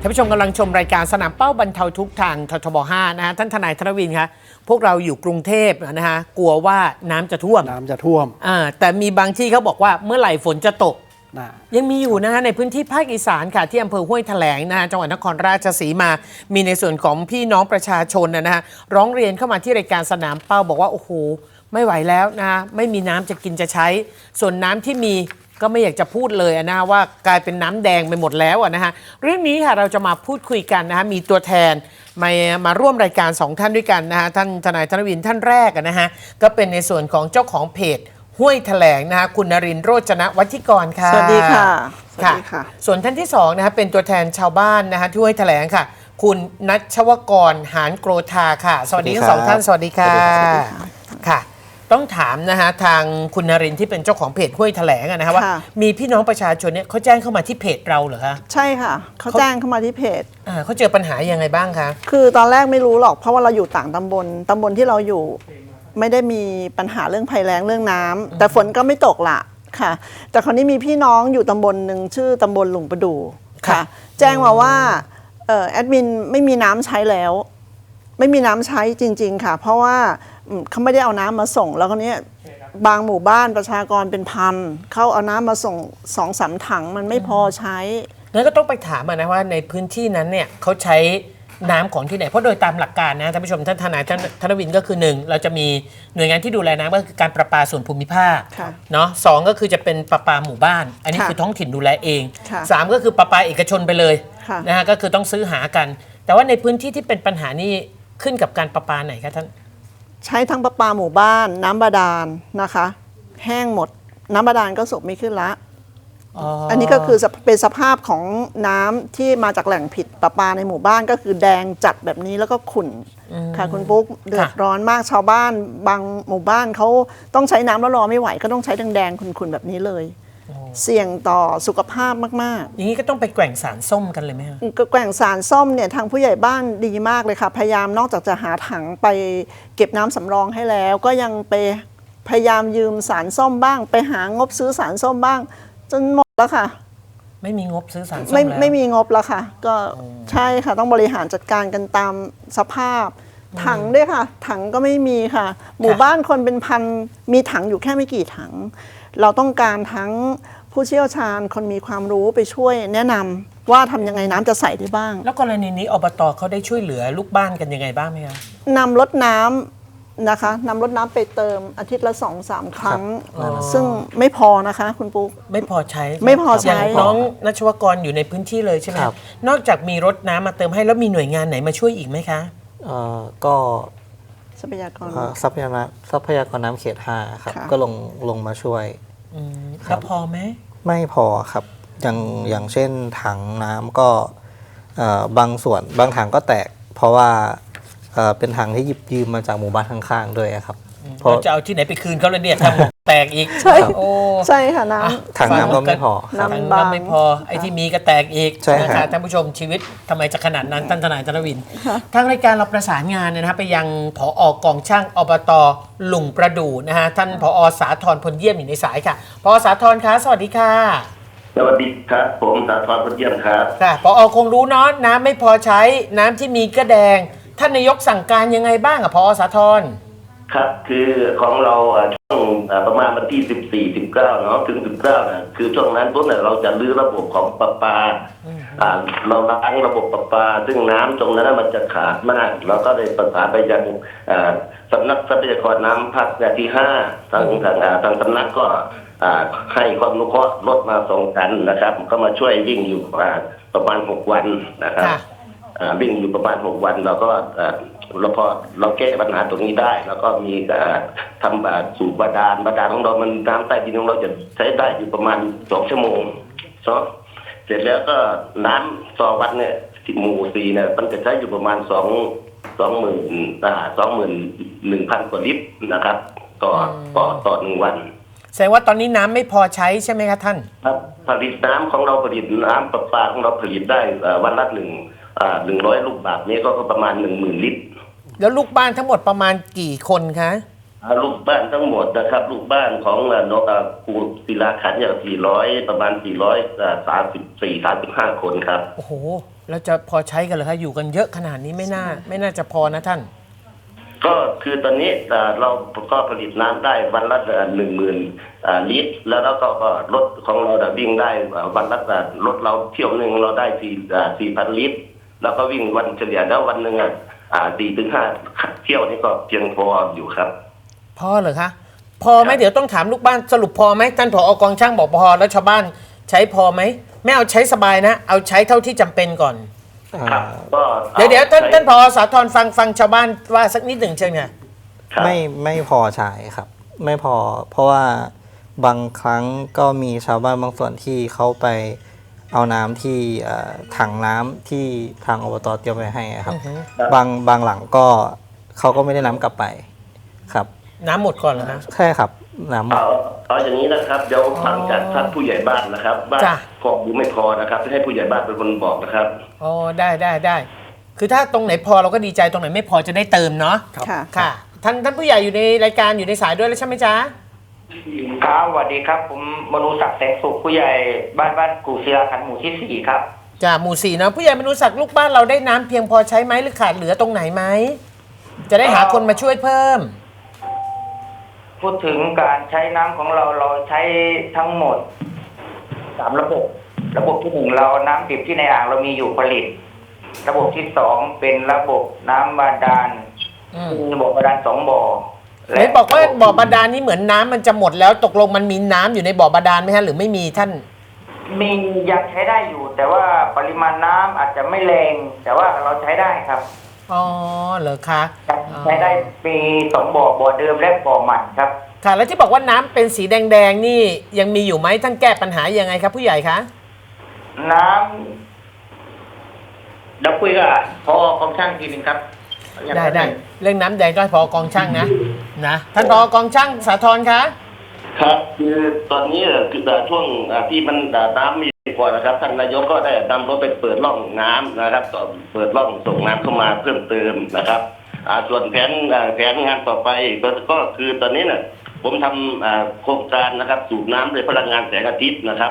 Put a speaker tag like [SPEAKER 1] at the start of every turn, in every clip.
[SPEAKER 1] านผู้ชมกำลังชมรายการสนามเป้าบรรเทาทุกข์ทางททบ5นะฮะท่านทนายธนวินคะพวกเราอยู่กรุงเทพนะฮะกลัวว่าน้ำจะท่วมแต่มีบางที่เขาบอกว่าเมื่อไหร่ฝนจะตกยังมีอยู่นะฮะในพื้นที่ภาคอีสานค่ะที่อำเภอห้วยแถลงนะฮะจังหวัดนครราชสีมามีในส่วนของพี่น้องประชาชนนะฮะร้องเรียนเข้ามาที่รายการสนามเป้าบอกว่าโอ้โหไม่ไหวแล้วนะฮะไม่มีน้ำจะกินจะใช้ส่วนน้ำที่มีก็ไม่อยากจะพูดเลยนะว่ากลายเป็นน้ำแดงไปหมดแล้วนะฮะเรื่องนี้ค่ะเราจะมาพูดคุยกันนะฮะมีตัวแทนมาร่วมรายการ2ท่านด้วยกันนะฮะท่านทนายธนวินท่านแรกนะฮะก็เป็นในส่วนของเจ้าของเพจห้วยแถลงนะฮะคุณนรินทร์โรจนวัฒิกรค่ะ
[SPEAKER 2] สวัสดีค่ะ
[SPEAKER 1] ส่วนท่านที่2นะฮะเป็นตัวแทนชาวบ้านนะฮะที่ห้วยแถลงค่ะคุณณัชวกรหานโกรธาค่ะสวัสดีทั้งสองท่านสวัสดีค่ะค่ะต้องถามนะฮะทางคุณนรินทร์ที่เป็นเจ้าของเพจห้วยแถลงนะฮะว่ามีพี่น้องประชาชนเนี่ยเขาแจ้งเข้ามาที่เพจเราเหรอคะ
[SPEAKER 2] ใช่ค่ะเขาแจ้งเข้ามาที่เพจ
[SPEAKER 1] เขาเจอปัญหายังไงบ้างคะ
[SPEAKER 2] คือตอนแรกไม่รู้หรอกเพราะว่าเราอยู่ต่างตำบลที่เราอยู่ไม่ได้มีปัญหาเรื่องภัยแล้งเรื่องน้ำแต่ฝนก็ไม่ตกละค่ะแต่คราวนี้มีพี่น้องอยู่ตำบลหนึ่งชื่อตำบลหลุงประดู่ค่ะแจ้งมาว่าแอดมินไม่มีน้ำใช้แล้วไม่มีน้ำใช้จริงๆค่ะเพราะว่าเขาไม่ได้เอาน้ำมาส่งแล้วคราวนี้บางหมู่บ้านประชากรเป็นพันเขาเอาน้ำมาส่ง2-3 ถังมันไม่พอใช้
[SPEAKER 1] งั้นก็ต้องไปถามนะว่าในพื้นที่นั้นเนี่ยเขาใช้น้ำของที่ไหนเพราะโดยตามหลักการนะท่านผู้ชมท่านทนายธนวินก็คือ1เราจะมีหน่วยงานที่ดูแลน้ำก็คือการประปาส่วนภูมิภาคเนาะ2ก็คือจะเป็นประปาหมู่บ้านอันนี้คือท้องถิ่นดูแลเอง3ก็คือประปาเอกชนไปเลยนะฮะก็คือต้องซื้อหากันแต่ว่าในพื้นที่ที่เป็นปัญหานี้ขึ้นกับการประปาไหนคะท่าน
[SPEAKER 2] ใช้ทั้งประปาหมู่บ้านน้ำบาดาลนะคะแห้งหมดน้ำบาดาลก็สูบไม่ขึ้นละอันนี้ก็คือเป็นสภาพของน้ำที่มาจากแหล่งผิดประปาในหมู่บ้านก็คือแดงจัดแบบนี้แล้วก็ขุ่นค่ะคุณปุ๊กเดือดร้อนมากชาวบ้านบางหมู่บ้านเขาต้องใช้น้ำแล้วรอไม่ไหวก็ต้องใช้แดงๆขุ่นๆแบบนี้เลยเสี่ยงต่อสุขภาพมาก
[SPEAKER 1] ๆอย่างนี้ก็ต้องไปแกว่งสารส้มกันเลยไหมคะ
[SPEAKER 2] แกว่งสารส้มเนี่ยทางผู้ใหญ่บ้านดีมากเลยค่ะพยายามนอกจากจะหาถังไปเก็บน้ำสำรองให้แล้วก็ยังไปพยายามยืมสารส้มบ้างไปหางบซื้อสารส้มบ้างจนหมดแล้วค่ะ
[SPEAKER 1] ไม่มีงบซื้อสารส้มแล้ว
[SPEAKER 2] ไม่มีงบแล้วค่ะก็ใช่ค่ะต้องบริหารจัดการกันตามสภาพถังด้วยค่ะถังก็ไม่มีค่ะหมู่บ้านคนเป็นพันมีถังอยู่แค่ไม่กี่ถังเราต้องการทั้งผู้เชี่ยวชาญคนมีความรู้ไปช่วยแนะนำว่าทำยังไงน้ำจะใส่ได้บ้าง
[SPEAKER 1] แล้วกรณีนี้อบตเขาได้ช่วยเหลือลูกบ้านกันยังไงบ้างไหมคะ
[SPEAKER 2] นำรถน้ำนะคะนำรถน้ำไปเติมอาทิตย์ละ 2-3 ครั้งซึ่งไม่พอนะคะคุณปุ๊ก
[SPEAKER 1] ไม่พอใช้น้องณัชวกรอยู่ในพื้นที่เลยใช่ไหมนอกจากมีรถน้ำมาเติมให้แล้วมีหน่วยงานไหนมาช่วยอีกไหมคะ
[SPEAKER 3] ก็
[SPEAKER 2] ทรัพยากร
[SPEAKER 3] น้ำเขต5ครับก็ลงมาช่วย
[SPEAKER 1] แล้วพอไหม
[SPEAKER 3] ไม่พอครับอย่างเช่นถังน้ำก็บางส่วนบางถังก็แตกเพราะว่าเป็นถังที่หยิบยืมมาจากหมู่บ้านข้างๆด้วยครับ
[SPEAKER 1] เราจะเอาที่ไหนไปคืนเขาแล้วเนี่ยทำแตกอีก
[SPEAKER 2] ใช่ค่ะน้
[SPEAKER 3] ำถังน้ำก็ไม่พอ
[SPEAKER 1] ถังน้ำไม่พอไอ้ที่มีก็แตกอีกนะคะท่านผู้ชมชีวิตทำไมจะขนาดนั้นท่านทนายธนวินทางรายการเราประสานงานนะครับไปยังผอกองช่างอบตหลุงประดู่นะฮะท่านผอ.สาธรพลเยี่ยมอยู่ในสายค่ะผอ.สาธรคะสวัสดีค่ะ
[SPEAKER 4] สวัสดีครับผมสาธรพลเยี่ยมครับ
[SPEAKER 1] ค่ะผอ.คงรู้เนาะน้ำไม่พอใช้น้ำที่มีก็แดงท่านนายกสั่งการยังไงบ้างผอ.สาธร
[SPEAKER 4] ครับคือของเราช่วงประมาณวันที่14-19เนาะถึง19นะคือช่วงนั้นปุ๊บเนี่ยเราจะรื้อระบบของประปาเราล้างระบบประปาซึ่งน้ำตรงนั้นมันจะขาดมากเราก็เลยประสานไปยังสำนักทรัพยากรน้ำภาคที่5ทางสำนักก็ให้ความนุเคราะห์รถมาส่งกันนะครับก็มาช่วยวิ่งอยู่ประมาณ6 วันนะครับวิ่งอยู่ประมาณ6 วันเราก็พอเราแก้ปัญหาตรงนี้ได้แล้วก็มีทำสูบบาดาลของเรามันน้ำใต้ดินของเราจะใช้ได้อยู่ประมาณ2 ชั่วโมงเสร็จแล้วก็น้ำต่อวันเนี่ยหมู่4เนี่ยมันจะใช้อยู่ประมาณ21,000 กว่าลิตรนะครับต่อ1 วัน
[SPEAKER 1] แสดงว่าตอนนี้น้ำไม่พอใช้ใช่ไหมคะท่าน
[SPEAKER 4] ครับผลิตน้ำของเราผลิตน้ำประปาของเราผลิตได้วันละ100 ลูกบาศก์นี้ก็ประมาณ10,000 ลิตร
[SPEAKER 1] แล้วลูกบ้านทั้งหมดประมาณกี่คนคะ
[SPEAKER 4] ลูกบ้านทั้งหมดนะครับลูกบ้านของนกกูศิลาขันธ์อย่าง400ประมาณ434-35คนครับ
[SPEAKER 1] โอ้โหแล้วจะพอใช้กันเหรอคะอยู่กันเยอะขนาดนี้ไม่น่าจะพอนะท่าน
[SPEAKER 4] ก็คือตอนนี้เราก็ผลิตน้ำได้วันละ10,000ลิตรแล้วก็รถของเราวิ่งได้วันละรถเราเที่ยวหนึ่งเราได้4,000 ลิตรแล้วก็วิ่งวันเฉลี่ยแล้ววันหนึ่ง4-5 เที่ยวนี่ก็เพียงพออยู่ครับ
[SPEAKER 1] พอเหรอคะพอไหมเดี๋ยวต้องถามลูกบ้านสรุปพอไหมท่านผอกองช่างบอกพอแล้วชาวบ้านใช้พอไหมไม่เอาใช้สบายนะเอาใช้เท่าที่จำเป็นก่อน
[SPEAKER 4] ครับก็
[SPEAKER 1] เดี๋ยวท่านผอสาธรฟังชาวบ้านว่าสักนิดหนึ่งเชิญค่ะ
[SPEAKER 4] ครับ
[SPEAKER 3] ไม่พอใช้ครับ ไม่พอเพราะว่าบางครั้งก็มีชาวบ้านบางส่วนที่เขาไปเอาน้ำที่ถังน้ำที่ทางอบตเตรียมไว้ให้ครับ บางหลังก็เขาก็ไม่ได้น้ำกลับไปครับ
[SPEAKER 1] น้ำหมดก่อนเหรอคะ
[SPEAKER 3] ใช่ครับน้ำ
[SPEAKER 4] เอาอย่างนี้นะครับเดี๋ยวฟังจากท่านผู้ใหญ่บ้านนะครับว่าพอหรือไม่พอนะครับให้ผู้ใหญ่บ้านเป็นคนบอกนะครับ
[SPEAKER 1] อ๋อได้คือถ้าตรงไหนพอเราก็ดีใจตรงไหนไม่พอจะได้เติมเนาะ
[SPEAKER 2] ค่ะ
[SPEAKER 1] ค่ะท่านผู้ใหญ่อยู่ในรายการอยู่ในสายด้วยแล้วใช่ไหมจ๊ะ
[SPEAKER 5] ครับสวัสดีครับผมมนูศักดิ์แสงสุขผู้ใหญ่บ้านกูศิลาขันธ์หมู่ที่ 4ครับ
[SPEAKER 1] จ้ะหมู่ 4นะผู้ใหญ่มนุษย์ศักดิ์ลูกบ้านเราได้น้ำเพียงพอใช้ไหมหรือขาดเหลือตรงไหนไหมจะได้หาคนมาช่วยเพิ่ม
[SPEAKER 5] พูดถึงการใช้น้ำของเราใช้ทั้งหมด3 ระบบที่1เราน้ำดิบที่ในอ่างเรามีอยู่ผลิต ระบบที่2เป็นระบบน้ำบาดาลมีบ่อบาดาล2 บ่อ
[SPEAKER 1] ไหนบอกว่าบ่อบาดาลนี่เหมือนน้ำมันจะหมดแล้วตกลงมันมีน้ำอยู่ในบ่อบาดาลไหมฮะหรือไม่มีท่าน
[SPEAKER 5] มียังใช้ได้อยู่ แต่ว่าปริมาณน้ำอาจจะไม่แรงแต่ว่าเราใช้ได้ครับ
[SPEAKER 1] อ๋อเหรอคะ
[SPEAKER 5] ใช้ได้มี2 บ่อเดิมและบ่อใหม่ครับ
[SPEAKER 1] ค่ะแล้วที่บอกว่าน้ำเป็นสีแดงๆนี่ยังมีอยู่ไหมท่านแก้ปัญหายังไงครับผู้ใหญ่คะ
[SPEAKER 5] น้ำเดี๋ยวคุยกับพอกองช่างทีนึงครับ
[SPEAKER 1] ได้เรื่องน้ำแดงก็ให้พอกองช่างนะท่านพอกองช่างสาธรคะ
[SPEAKER 4] ครับคือตอนนี้คือช่วงที่มันน้ำมีกว่านะครับท่านนายกก็ได้นำรถไปเปิดร่องน้ำนะครับเปิดร่องส่งน้ำเข้ามาเพิ่มเติมนะครับส่วนแผนงานต่อไปก็คือตอนนี้เนี่ยผมทำโครงการนะครับสูบน้ำโดยพลังงานแสงอาทิตย์นะครับ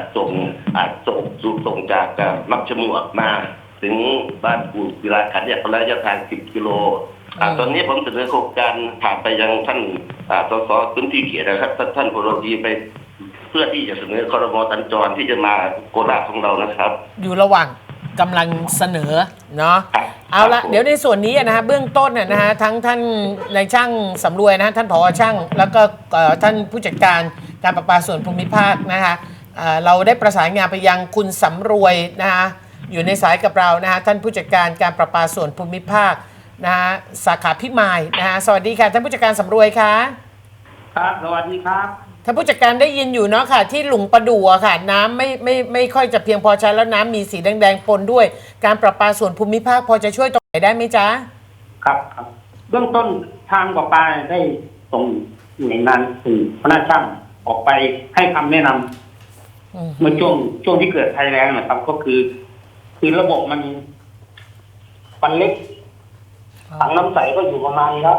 [SPEAKER 4] ส่งจากมักฉมวกมาถึงบ้านกูศิลาขันธ์เนี่ยระยะทาง10 กิโลตอนนี้ผมเสนอโครงการผ่านไปยังท่านสสพื้นที่เขตนะครับท่านโพลดีไปเพื่อที่จะเสนอครม.สัญจรที่จะมาโคราชของเรานะครับ
[SPEAKER 1] อยู่ระหว่างกำลังเสนอเนาะเอาละเดี๋ยวในส่วนนี้นะฮะเบื้องต้นนะฮะทั้งท่านนายช่างสำรวยนะฮะท่านผอช่างแล้วก็ท่านผู้จัดการการประปาส่วนภูมิภาคนะคะเราได้ประสานงานไปยังคุณสำรวยนะฮะอยู่ในสายกับเรานะฮะท่านผู้จัดการการประปาส่วนภูมิภาคนะฮะสาขาพิมายนะฮะสวัสดีค่ะท่านผู้จัดการสำรวยค่ะ
[SPEAKER 5] ครับสวัสดีครับ
[SPEAKER 1] ท่านผู้จัดการได้ยินอยู่เนาะค่ะที่หลุงประดู่อะค่ะน้ำไม่ค่อยจะเพียงพอใช้แล้วน้ำมีสีแดงๆปนด้วยการประปาส่วนภูมิภาคพอจะช่วยตรงไหนได้ไหมจ๊ะ
[SPEAKER 6] ครับเบื้องต้นทางประปาได้ส่งหน่วยงานสื่อพนักช่างออกไปให้คำแนะนำเมื่อช่วงที่เกิดภัยแล้งนะครับ ก็คือระบบมันเล็กถังน้ำใสก็อยู่ประมาณครับ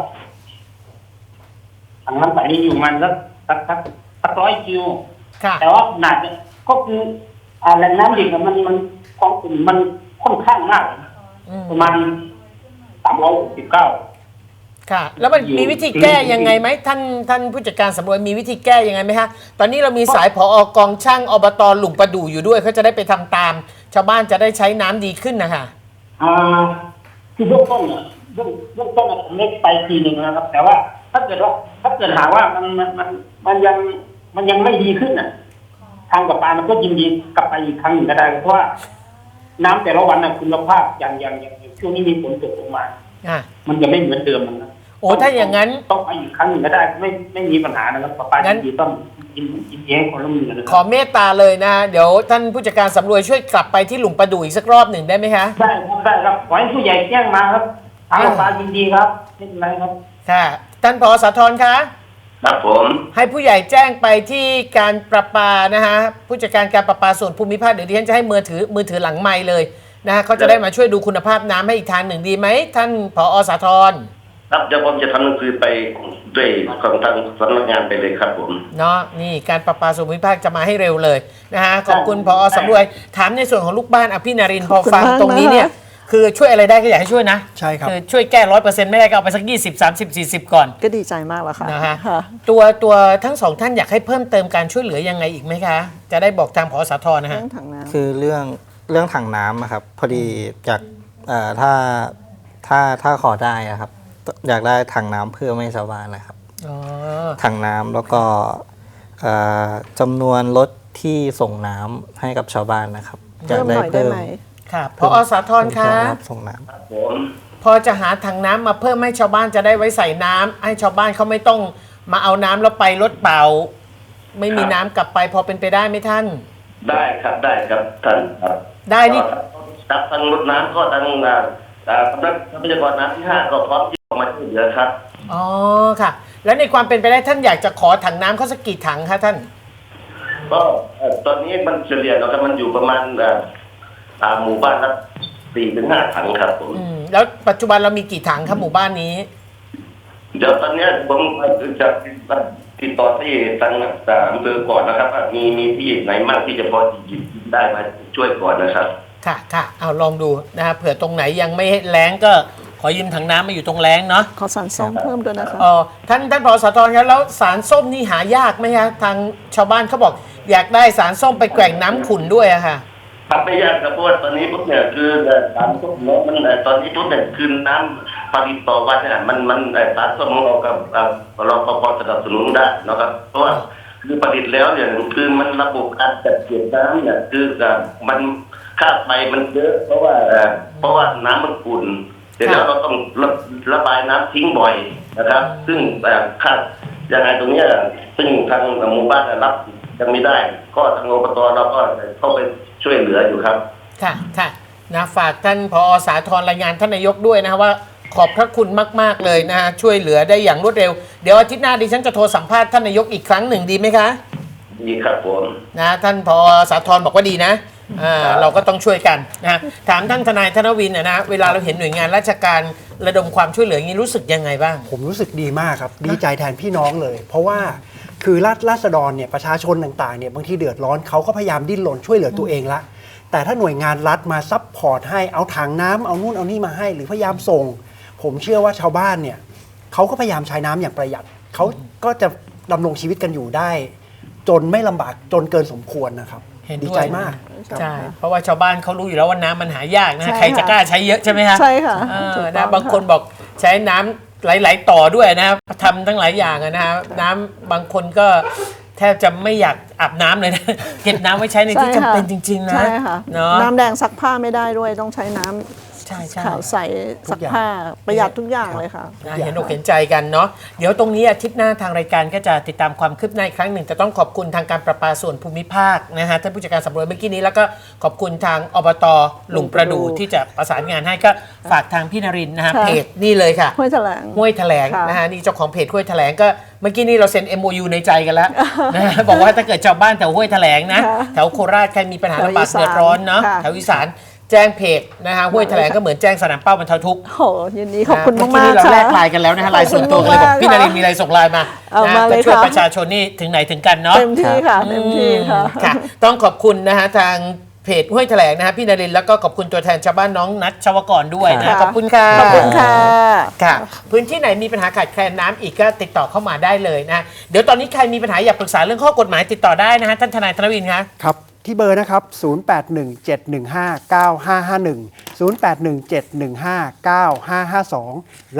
[SPEAKER 6] ถังน้ำใสนี่อยู่ประมาณสัก100 กิโล
[SPEAKER 1] ค่ะ
[SPEAKER 6] แต่ว่าขนาดก็คือแหล่งน้ำดิบมันของกลุ่มมันค่อนข้างมากประมาณ369
[SPEAKER 1] ค่ะแล้วมันมีวิธีแก้ยังไงไหมท่านผู้จัดการสำรวจมีวิธีแก้ยังไงไหมคะตอนนี้เรามีสายผอกองช่างอบตหลุงประดู่อยู่ด้วยเขาจะได้ไปทำตาม ชาวบ้านจะได้ใช้น้ำดีขึ้นนะคะ
[SPEAKER 6] คือเบื้องต้นผมเล็กไปทีหนึ่งนะครับ แต่ว่าถ้าเกิดหาว่ามันยังไม่ดีขึ้นทางประปามันก็ยินดีกลับไปอีกครั้งหนึ่งก็ได้เพราะว่าน้ำแต่ละวันคุณภาพอย่างช่วงนี้มีฝนตกลงมามันจะไม่เหมือนเดิมนะ
[SPEAKER 1] โอ้ถ้าอย่างนั้น
[SPEAKER 6] ต้องไปอีกครั้งหนึ่งก็ได้ไม่มีปัญหานะครับประปายินดีต้องยินดีให้ความร่วมมือนะครับ
[SPEAKER 1] ขอเมตตาเลยนะเดี๋ยวท่านผู้จัดการสำรวยช่วยกลับไปที่หลุงประดู่อีกสักรอบหนึ่งได้ไหมคะ
[SPEAKER 6] ได้ครับขอให้ผู้ใหญ่แจ้งมาครับทางประปายินดีครับไม่เป็นไรครับ
[SPEAKER 1] ค่ะท่านผอสาธรคะ
[SPEAKER 4] ครับผม
[SPEAKER 1] ให้ผู้ใหญ่แจ้งไปที่การประปานะฮะผู้จัดการการประปาส่วนภูมิภาคเดี๋ยวดิฉันจะให้มือถือหลังไมค์เลยนะฮะเขาจะได้มาช่วยดูคุณภาพน้ำให้อีกทางหนึ่งดีไหมท่านผอสาธร
[SPEAKER 4] ครับเดี๋ยวผมจะทำหนังสือไปด้วยของทางสำนักงานไปเลยครับผม
[SPEAKER 1] เนาะนี่การประปาส่วนภูมิภาคจะมาให้เร็วเลยนะฮะขอบคุณผอ.สำรวยถามในส่วนของลูกบ้านพี่นรินทร์พอฟังตรงนี้เนี่ยคือช่วยอะไรได้ก็อยากให้ช่วยนะ
[SPEAKER 7] ใช่ครับ
[SPEAKER 1] คือช่วยแก้100%ไม่ได้ก็เอาไปสัก20 30 40ก่อน
[SPEAKER 2] ก็ดีใจมากแล้วค่ะ
[SPEAKER 1] นะฮะ
[SPEAKER 2] ค่ะ
[SPEAKER 1] ตัวทั้งสองท่านอยากให้เพิ่มเติมการช่วยเหลือยังไงอีกไหมคะ จะได้บอกทางผอ.สาธรนะฮะ
[SPEAKER 2] เรื่องถังน้ำ
[SPEAKER 3] คือเรื่องถังน้ำอะครับ พอดีจากถ้าขอได้อะครับ อยากได้ถังน้ำเพื่อไม่ชาวบ้านนะครับ
[SPEAKER 1] อ๋อ
[SPEAKER 3] ถังน้ำแล้วก็จำนวนรถที่ส่งน้ำให้กับชาวบ้านนะครับอยาก
[SPEAKER 2] เพิ่มหน่อยได้ไหม
[SPEAKER 1] ค่ะผอ.สาธรคะ
[SPEAKER 3] ส่งน้
[SPEAKER 4] ผม
[SPEAKER 1] พอจะหาถังน้ำมาเพิ่มให้ชาวบ้านจะได้ไว้ใส่น้ำให้ชาวบ้านเขาไม่ต้องมาเอาน้ำแล้วไปรถเปล่า ไม่มีน้ำกลับไปพอเป็นไปได้ไหมท่าน
[SPEAKER 4] ได้ครับได้ครับท่านครับ
[SPEAKER 1] ได้นี่
[SPEAKER 4] ครับทางรถน้ำก็ทางสำนักทรัพยากรน้ำที่ 5ก็พร้อมที่จะมาช่วยเหลือครับ
[SPEAKER 1] อ๋อค่ะ แล้วในความเป็นไปได้ท่านอยากจะขอถังน้ำเขาสักกี่ถังคะท่าน
[SPEAKER 4] ก็ตอนนี้มันเฉลี่ยแล้วครับมันอยู่ประมาณหมู่บ้านละ4-5 ถังครับผม
[SPEAKER 1] แล้วปัจจุบันเรามีกี่ถังครับหมู่บ้านนี้
[SPEAKER 4] เดี๋ยวตอนนี้ผมจะติดต่อที่ทางอำเภอก่อนนะครับว่ามีที่ไหนมากที่จะพอหยิบได้มาช่วยก่อนนะครับ
[SPEAKER 1] ค่ะค่ะเอาลองดูนะฮะเผื่อตรงไหนยังไม่แล้งก็ขอยืมถังน้ำมาอยู่ตรงแล้งเนาะ
[SPEAKER 2] ขอสารส้มเพิ่มด้วยนะคะ
[SPEAKER 1] อ๋อท่านผอ.สาธรครับแล้วสารส้มนี่หายากไหมคะทางชาวบ้านเขาบอก อยากได้สารส้มไปแกว่งน้ำขุ่นด้วยอะค่ะ
[SPEAKER 4] ครับไม่ยากครับเพราะว่าตอนนี้ปุ๊บเนี่ยคือสารส้มเนาะมันตอนนี้ปุ๊บเนี่ยคือน้ำผลิตต่อวันเนี่ยมันสารส้มของเรากับเราพอสนับสนุนได้นะครับเพราะว่าคือผลิตแล้วเนี่ยคือมันระบบการจัดเก็บน้ำเนี่ยคือมันค่าไฟมันเยอะเพราะว่าน้ำมันขุ่นเสร็จแล้วเราต้องระบายน้ำทิ้งบ่อยนะครับ ซึ่งค่ายังไงตรงเนี้ยซึ่งทางหมู่บ้านรับยังไม่ได้ ก็ทางอบตเราก็เข้าไปช่วยเหลืออยู่ครับ
[SPEAKER 1] ค่ะค่ะนะฝากท่านผอ.สาธรรายงานท่านนายกด้วยนะว่าขอบพระคุณมากๆเลยนะฮะช่วยเหลือได้อย่างรวดเร็วเดี๋ยวอาทิตย์หน้าดิฉันจะโทรสัมภาษณ์ท่านนายกอีกครั้งหนึ่งดีไหมคะ
[SPEAKER 4] ดีครับผม
[SPEAKER 1] นะท่านผอ.สาธรบอกว่าดีนะเราก็ต้องช่วยกันนะถามท่านทนายธนวินนะเวลาเราเห็นหน่วยงานราชการระดมความช่วยเหลืออย่างนี้รู้สึกยังไงบ้าง
[SPEAKER 7] ผมรู้สึกดีมากครับ ดีใจแทนพี่น้องเลย เพราะว่าคือราษฎรเนี่ยประชาชนต่างๆเนี่ยบางทีเดือดร้อนเขาก็พยายามดิ้นรนช่วยเหลือตัวเองละแต่ถ้าหน่วยงานรัฐมาซัพพอร์ตให้เอาถังน้ำเอานู่นเอานี่มาให้หรือพยายามส่ง ผมเชื่อว่าชาวบ้านเนี่ยเขาก็พยายามใช้น้ำอย่างประหยัดเขาก็จะดำรงชีวิตกันอยู่ได้ จนไม่ลำบากจนเกินสมควรนะครับ
[SPEAKER 1] เห็นด้วย
[SPEAKER 7] ดีใจมากครับ
[SPEAKER 1] ใช่เพราะว่าชาวบ้านเขารู้อยู่แล้วว่าน้ำมันหายากนะ
[SPEAKER 2] ใช่ค่ะ
[SPEAKER 1] ใครจะกล้าใช้เยอะใช่ไหมฮะ
[SPEAKER 2] ใช่ค่ะถูกต้
[SPEAKER 1] นะ
[SPEAKER 2] อง
[SPEAKER 1] บางคนบอกใช้น้ำหลายๆต่อด้วยนะทำทั้งหลายอย่างอะนะน้ำบางคนก็แทบจะไม่อยากอาบน้ำเลยนะ เก็บน้ำไว้ใช้ในที่จำเป็นจริง ๆ นะ
[SPEAKER 2] ใช่ค่ะ
[SPEAKER 1] เนาะ
[SPEAKER 2] น้ำแดงซักผ้าไม่ได้ด้วยต้องใช้น้ำ
[SPEAKER 1] ใช่ใช่
[SPEAKER 2] ขาวใสซักผ้าประหยัดทุกอย่างเลยค่ะ
[SPEAKER 1] นะเห็นอกเห็นใจกันเนาะเดี๋ยวตรงนี้อาทิตย์หน้าทางรายการก็จะติดตามความคืบหน้าอีกครั้งหนึ่งแต่ต้องขอบคุณทางการประปาส่วนภูมิภาคนะฮะท่านผู้จัดการสำรวจเมื่อกี้นี้แล้วก็ขอบคุณทางอบตหลุงประดู่ที่จะประสานงานให้ก็ฝากทางพี่นรินทร์นะฮะ
[SPEAKER 2] ค่ะ
[SPEAKER 1] เพจนี่เลยค่ะ
[SPEAKER 2] ห้วยแถลง
[SPEAKER 1] ห้วยแถลง
[SPEAKER 2] ค่ะ
[SPEAKER 1] นะฮะนี่เจ้าของเพจห้วยแถลงก็เมื่อกี้นี้เราเซ็น MOU ในใจกันแล้ว นะฮะบอกว่าถ้าเกิดชาวบ้านแถวห้วยแถลงนะ
[SPEAKER 2] ค่ะ
[SPEAKER 1] แถวโคราชใครมีปัญหา
[SPEAKER 2] แถว
[SPEAKER 1] ลำบาก
[SPEAKER 2] อีสาน
[SPEAKER 1] เดือดร้อนเนาะ
[SPEAKER 2] ค่ะ
[SPEAKER 1] แถวอีสานแจ้งเพจนะฮะห้วยแถลงก็เหมือนแจ้งสนามเป้าบรรเทาทุกข์
[SPEAKER 2] โหยินดีขอบคุณ
[SPEAKER 1] เมื่อ
[SPEAKER 2] มาก
[SPEAKER 1] กี้
[SPEAKER 2] ๆ
[SPEAKER 1] เรา
[SPEAKER 2] ค่ะ
[SPEAKER 1] แลกไลน์กันแล้วนะฮะไลน์ส่วนตัวกันเลยบอกพี่นรินทร์มีอะไรส่งไลน์มา
[SPEAKER 2] เอา
[SPEAKER 1] นะ
[SPEAKER 2] มาเลย
[SPEAKER 1] ก็ช่วย
[SPEAKER 2] ค่ะ
[SPEAKER 1] ประชาชนนี่ถึงไหนถึงกันเนาะ
[SPEAKER 2] เต็มที่ค่ะเต็มที่ค่ะ
[SPEAKER 1] ค่ะ ต้องขอบคุณนะฮะทางเพจห้วยแถลงนะฮะพี่นรินทร์แล้วก็ขอบคุณตัวแทนชาวบ้านน้องนัทชวกรด้วยนะ
[SPEAKER 2] ค่ะ
[SPEAKER 1] ขอบคุณค่ะ
[SPEAKER 2] ขอบคุณค่ะ
[SPEAKER 1] ค่ะพื้นที่ไหนมีปัญหาขาดแคลนน้ำอีกก็ติดต่อเข้ามาได้เลยนะเดี๋ยวตอนนี้ใครมีปัญหาอยากปรึกษาเรื่องข้อกฎหมายติดต่อได้นะฮะท่านทนายธนวินคะ
[SPEAKER 7] ครับที่เบอร์นะครับ 0817159551 0817159552 และ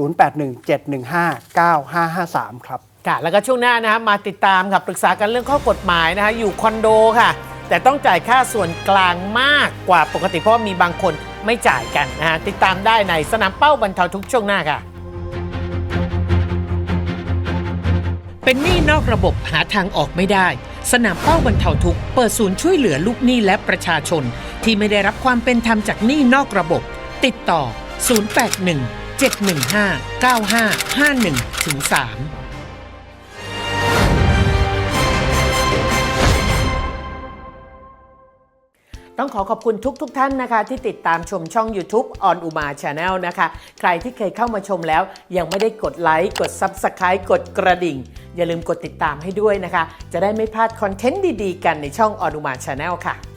[SPEAKER 7] 0817159553 ครับ
[SPEAKER 1] ค่ะแล้วก็ช่วงหน้านะฮะมาติดตามค่ะปรึกษากันเรื่องข้อกฎหมายนะฮะอยู่คอนโดค่ะ แต่ต้องจ่ายค่าส่วนกลางมากกว่าปกติเพราะมีบางคนไม่จ่ายกันนะฮะติดตามได้ในสนามเป้าบรรเทาทุกข์ช่วงหน้าค่ะ เป็นหนี้นอกระบบหาทางออกไม่ได้ สนามเป้าบรรเทาทุกข์เปิดศูนย์ช่วยเหลือลูกหนี้และประชาชน ที่ไม่ได้รับความเป็นธรรมจากหนี้นอกระบบ ติดต่อ 081-715-9551-3 ต้องขอบคุณทุกท่านนะคะที่ติดตามชมช่อง YouTube On Uma Channel นะคะใครที่เคยเข้ามาชมแล้วยังไม่ได้กดไลค์กด Subscribe กดกระดิ่งอย่าลืมกดติดตามให้ด้วยนะคะจะได้ไม่พลาดคอนเทนต์ดีๆกันในช่อง On Uma Channel ค่ะ